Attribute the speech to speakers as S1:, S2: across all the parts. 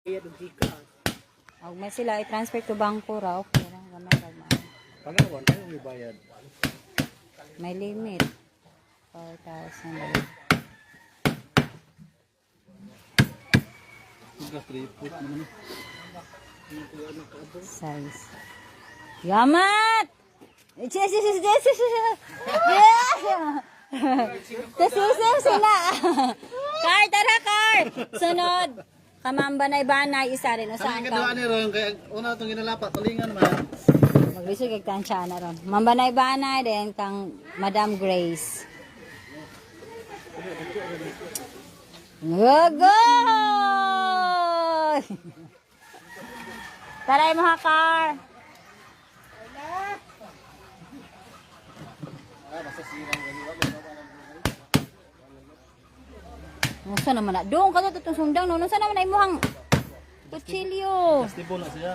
S1: Og may sila i-transfer to bangko ra okay ra gamay ra man.
S2: Pagawan tayo may bayad.
S1: May limit. 4,000. Size. Yamat! Yes! Tasusim sila! Car, tara car! Sunod! Kamambanay-banay, isa rin. O saan
S2: Ang
S1: ka?
S2: kadua ni Ron, kaya una itong ginalapat, talingan man.
S1: Maglisod kag tansya na ron. Mambanay-banay din kang Madam Grace. Gogoy! Taray mo ha, car. Nusa naman na. Doon ka to sundang. Nusa naman na imuhang kutsilyo.
S2: Stipo na siya.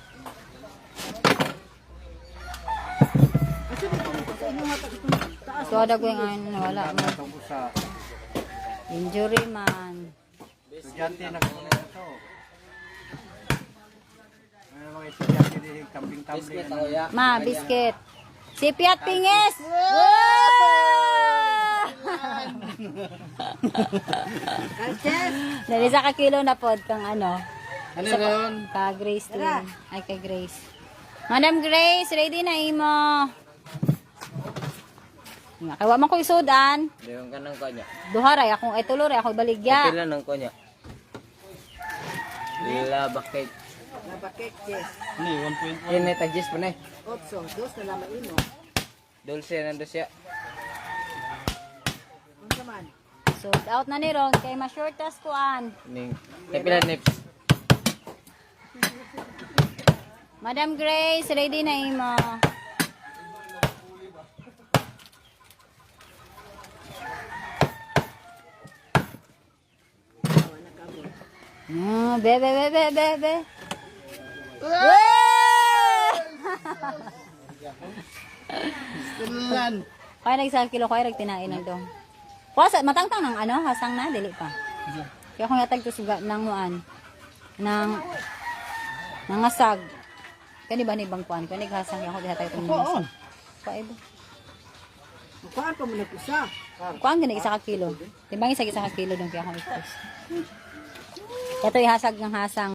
S1: So, ada ko yung wala mo. Injury man.
S2: Estudyante na kung ano ito. May mga estudyante din camping-camping.
S1: Ma, biscuit. Sipiat pingis. Dali sa kakilo na pod kang ano.
S2: Ano Ron?
S1: Ka Grace din. Ay, kay Grace. Madam Grace, ready na imo. Kaya man ko isudan.
S3: Diyon ka ng kanya.
S1: Duharay akong etuloy ako baligya.
S3: Pila ng kanya. Lila bakit.
S2: Ano 1.1?
S3: Kini tagis pa na.
S4: 8, 2 na naman imo.
S3: Dulce nando siya.
S4: Unsa man?
S1: Sold out na ni Ron kay ma-shortas kuan.
S3: Ning pila nips.
S1: Madam Grace, ready na imo. Be.
S2: Stilan.
S1: Kaya nag-1 kilo kaya tinain ng dong. Kuwasa, matangtang ng ano, hasang na, dili pa. Kaya kung yatag to suga ng muan, ng asag. Kani ba ni bang kuan? Kani hasang ako dihatag itong
S4: Kuan.
S1: Paibo.
S4: Kuan pa mo na kusa.
S1: Kuan gani isa ka kilo. Timbang isa ka kilo dong kaya ako ipos. Ito ihasag ng hasang.